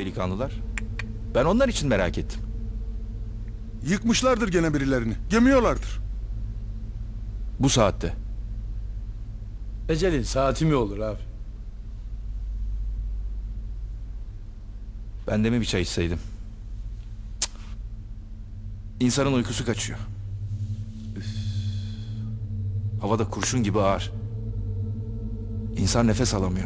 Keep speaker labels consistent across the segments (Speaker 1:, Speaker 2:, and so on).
Speaker 1: delikanlılar? Ben onlar için merak ettim.
Speaker 2: Yıkmışlardır gene birilerini. Gömüyorlardır.
Speaker 1: Bu saatte.
Speaker 3: Ecelin saati mi olur abi?
Speaker 1: Ben de mi bir çay içseydim? Cık. İnsanın uykusu kaçıyor. Üf. Havada kurşun gibi ağır. İnsan nefes alamıyor.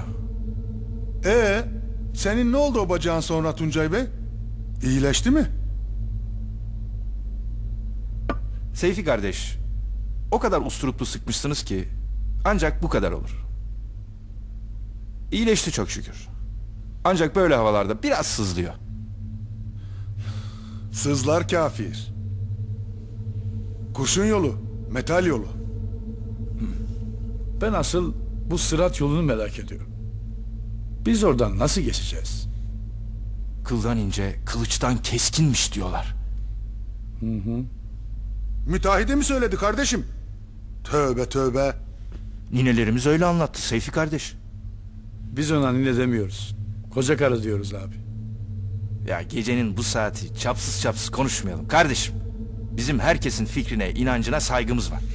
Speaker 2: Senin ne oldu o bacağın sonra Tuncay Bey? İyileşti mi?
Speaker 1: Seyfi kardeş, o kadar usturuplu sıkmışsınız ki ancak bu kadar olur. İyileşti çok şükür. Ancak böyle havalarda biraz sızlıyor.
Speaker 2: Sızlar kafir. Kurşun yolu, metal yolu.
Speaker 3: Ben asıl bu sırat yolunu merak ediyorum. Biz oradan nasıl geçeceğiz?
Speaker 1: Kıldan ince, kılıçtan keskinmiş diyorlar.
Speaker 2: Müteahhide mi söyledi kardeşim? Tövbe tövbe.
Speaker 1: Ninelerimiz öyle anlattı Seyfi kardeş.
Speaker 3: Biz ona ne demiyoruz. Koca karı diyoruz abi.
Speaker 1: Ya gecenin bu saati çapsız çapsız konuşmayalım kardeşim. Bizim herkesin fikrine, inancına saygımız var.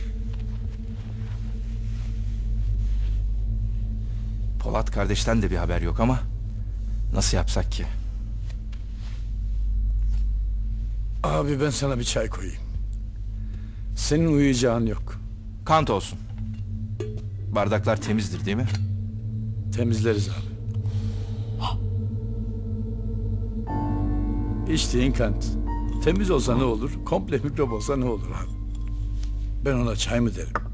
Speaker 1: Polat kardeşten de bir haber yok ama nasıl yapsak ki?
Speaker 3: Abi ben sana bir çay koyayım. Senin uyuyacağın yok.
Speaker 1: Kant olsun. Bardaklar temizdir değil mi?
Speaker 3: Temizleriz abi. İçtiğin kant. Temiz olsa ne olur, komple mikrop olsa ne olur abi? Ben ona çay mı derim?